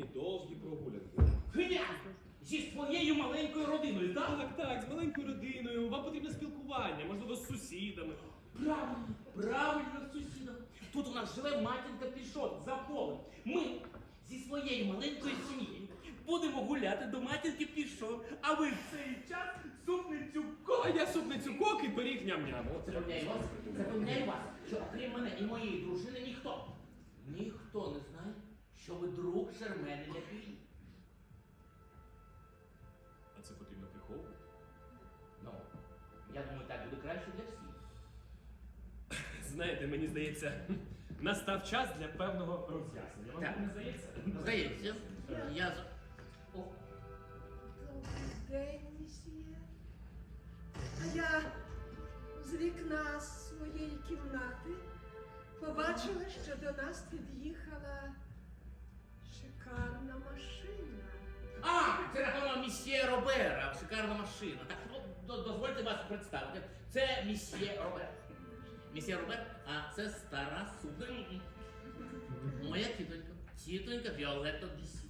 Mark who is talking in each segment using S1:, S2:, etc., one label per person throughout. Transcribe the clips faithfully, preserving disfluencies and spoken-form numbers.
S1: спільні довгі прогулянки.
S2: Князь! Зі своєю маленькою родиною, так?
S1: Так, так, з маленькою родиною, вам потрібне спілкування, можливо, з сусідами.
S2: Правильно, правильно, сусідом. Тут у нас живе матінка Пішот за полем. Ми зі своєю маленькою сім'єю будемо гуляти до матінки Пішот, а ви в цей час супницю
S1: А
S2: ко.
S1: я супницю кок і пиріг ням-ням. Оце.
S2: Запевняю вас, запевняю вас, що окрім мене і моєї дружини ніхто, ніхто не знає, що ви друг Шермени Ляпілі.
S1: А це потрібно приховувати?
S2: Ну, я думаю, так буде краще для всіх.
S1: Знаєте, мені здається, настав час для певного роз'яснення. Вам
S2: Так.
S1: не здається?
S2: Здається, я за... О,
S3: Добрий день, місьє. А я з вікна своєї кімнати побачила, що до нас під'їхала шикарна машина.
S2: А, це напевно місьє Робера, шикарна машина. Так, ну, до- дозвольте вас представити. Це місьє Робер. Місьє Робер, а це стара супер. Моя тітонька. Тітонька Віолетта Дісі.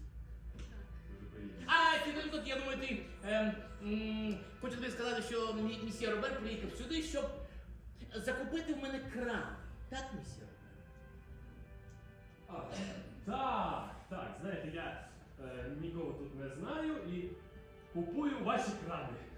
S2: А, тітонько, я думаю, ти ем, м, хочу тобі сказати, що мі- місьє Робер приїхав сюди, щоб закупити в мене кран. Так, місьє Робер?
S1: А, так, так, знаєте, я е, нікого тут не знаю і купую ваші крани.